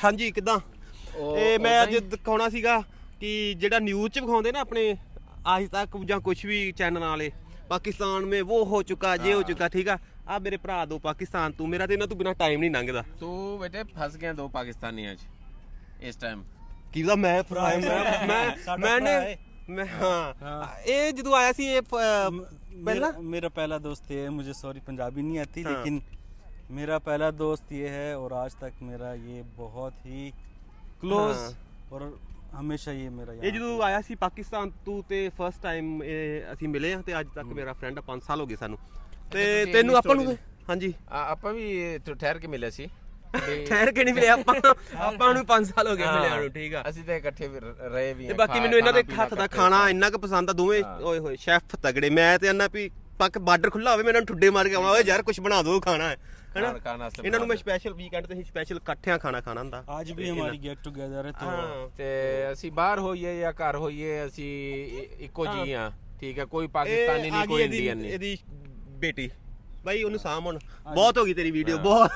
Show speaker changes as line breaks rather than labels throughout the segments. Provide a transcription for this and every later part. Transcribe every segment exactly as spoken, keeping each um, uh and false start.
ਹਾਂਜੀ ਕਿੱਦਾਂ ਇਹ ਮੈਂ ਅੱਜ ਦਿਖਾਉਣਾ ਸੀਗਾ ਕਿ ਜਿਹੜਾ ਨਿਊਜ਼ 'ਚ ਵਿਖਾਉਂਦੇ ਨਾ ਆਪਣੇ आज तक ਜਾਂ ਕੁਛ ਵੀ ਚੈਨਲ ਵਾਲੇ ਪਾਕਿਸਤਾਨ में वो हो चुका ये हो चुका ठीक है ਆ ਮੇਰੇ ਭਰਾ ਦੋ ਪਾਕਿਸਤਾਨ ਤੂੰ ਮੇਰਾ ਤੇ ਇਹਨਾਂ ਤੋਂ ਬਿਨਾ ਟਾਈਮ ਨਹੀਂ ਲੰਘਦਾ
ਤੂੰ ਬੇਟੇ ਫਸ ਗਿਆ ਦੋ ਪਾਕਿਸਤਾਨੀਆਂ 'ਚ ਇਸ ਟਾਈਮ
ਕਿਹਦਾ ਮੈਂ ਭਰਾ ਮੈਂ ਮੈਨੇ मैं हाँ ये जो आया सी ये पहला
मेरा पहला दोस्त ये है मुझे सॉरी पंजाबी नहीं आती लेकिन मेरा पहला दोस्त ये है और आज तक मेरा ये बहुत ही क्लोज और हमेशा ये मेरा
ये जो आया सी पाकिस्तान तू ते फर्स्ट टाइम ਅਸੀਂ ਮਿਲੇ ਆ ਤੇ ਅੱਜ ਤੱਕ ਮੇਰਾ ਫਰੈਂਡ ਪੰਜ ਸਾਲ ਹੋ ਗਏ ਸਾਨੂੰ ਤੇ ਤੈਨੂੰ ਆਪਾਂ ਨੂੰ ਹਾਂਜੀ
ਆਪਾਂ ਵੀ ਠਹਿਰ ਕੇ ਮਿਲੇ ਸੀ
ਠਹਿਰ ਕੇ ਨਹੀਂ ਮਿਲੇ ਆਪਾਂ ਆਪਾਂ ਨੂੰ ਪੰਜ ਸਾਲ ਹੋ ਗਏ ਮਿਲਿਆ ਨੂੰ ਠੀਕ ਆ
ਅਸੀਂ ਤਾਂ ਇਕੱਠੇ ਰਹੇ ਵੀ
ਤੇ ਬਾਕੀ ਮੈਨੂੰ ਇਹਨਾਂ ਦੇ ਹੱਥ ਦਾ ਖਾਣਾ ਇੰਨਾ ਕੁ ਪਸੰਦ ਆ ਦੋਵੇਂ ਓਏ ਹੋਏ ਸ਼ੈਫ ਤਗੜੇ ਮੈਂ ਤੇ ਇਹਨਾਂ ਵੀ ਪੱਕ ਬਾਰਡਰ ਖੁੱਲਾ ਹੋਵੇ ਮੈਂ ਇਹਨਾਂ ਨੂੰ ਠੁੱਡੇ ਮਾਰ ਕੇ ਆਵਾਂ ਓਏ ਯਾਰ ਕੁਝ ਬਣਾ ਦੋ ਖਾਣਾ ਹੈ ਹੈਨਾ ਇਹਨਾਂ ਨੂੰ ਮੈਂ ਸਪੈਸ਼ਲ ਵੀਕਐਂਡ ਤੇ ਸਪੈਸ਼ਲ ਇਕੱਠਿਆਂ ਖਾਣਾ ਖਾਣਾ ਹੁੰਦਾ
ਅੱਜ ਵੀ ਹਮਾਰੀ ਗੈਟ ਟੂਗੇਦਰ ਹੈ
ਤੇ ਤੇ ਅਸੀਂ ਬਾਹਰ ਹੋਈਏ ਜਾਂ ਘਰ ਹੋਈਏ ਅਸੀਂ ਇੱਕੋ ਜੀ ਆ ਠੀਕ ਹੈ ਕੋਈ ਪਾਕਿਸਤਾਨੀ ਨਹੀਂ ਕੋਈ ਇੰਡੀਅਨ ਨਹੀਂ
ਇਹਦੀ ਬੇਟੀ भाई ਉਹਨੂੰ ਸਾਮ ਹੁਣ ਬਹੁਤ ਹੋ ਗਈ ਤੇਰੀ ਵੀਡੀਓ ਬਹੁਤ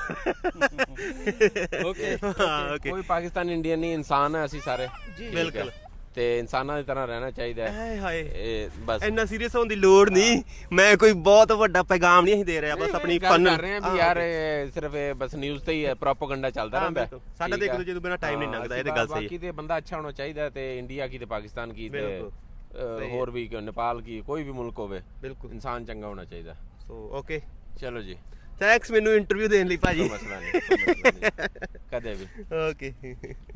ਓਕੇ ਓਕੇ ਕੋਈ ਪਾਕਿਸਤਾਨੀ ਇੰਡੀਅਨ ਨਹੀਂ ਇਨਸਾਨ ਹੈ ਅਸੀਂ ਸਾਰੇ
ਬਿਲਕੁਲ
ਤੇ ਇਨਸਾਨਾਂ ਦੀ ਤਰ੍ਹਾਂ ਰਹਿਣਾ ਚਾਹੀਦਾ ਹੈ
ਹਾਏ ਹਾਏ
ਇਹ ਬਸ
ਇੰਨਾ ਸੀਰੀਅਸ ਹੋਣ ਦੀ ਲੋੜ ਨਹੀਂ ਮੈਂ ਕੋਈ ਬਹੁਤ ਵੱਡਾ ਪੈਗਾਮ ਨਹੀਂ ਅਸੀਂ ਦੇ ਰਿਹਾ ਬਸ ਆਪਣੀ ਫਨ
ਕਰ ਰਹੇ ਹਾਂ ਵੀ ਯਾਰ ਸਿਰਫ ਇਹ ਬਸ ਨਿਊਜ਼ ਤੇ ਹੀ ਪ੍ਰੋਪਾਗੈਂਡਾ ਚੱਲਦਾ ਰਹਿੰਦਾ
ਸਾਡਾ ਤੇ ਇੱਕ ਦੂਜੇ ਤੋਂ ਬਿਨਾ ਟਾਈਮ ਨਹੀਂ ਲੰਘਦਾ ਇਹ ਤੇ ਗੱਲ ਸਹੀ ਹੈ
ਬਾਕੀ ਤੇ ਬੰਦਾ ਅੱਛਾ ਹੋਣਾ ਚਾਹੀਦਾ ਤੇ ਇੰਡੀਆ ਕੀ ਤੇ ਪਾਕਿਸਤਾਨ ਕੀ ਤੇ ਹੋਰ ਵੀ ਨੇਪਾਲ ਕੀ ਕੋਈ ਵੀ ਮੁਲਕ ਹੋਵੇ
ਬਿਲਕੁਲ
ਇਨਸਾਨ ਚੰਗਾ ਹੋਣਾ ਚਾਹੀਦਾ
ਸੋ ਓਕੇ
ਚਲੋ ਜੀ
ਥੈਂਕਸ ਮੈਨੂੰ ਇੰਟਰਵਿਊ ਦੇਣ ਲਈ ਭਾਜੀ
ਮਸਲਾ ਨਹੀਂ ਕਦੇ ਵੀ
ਓਕੇ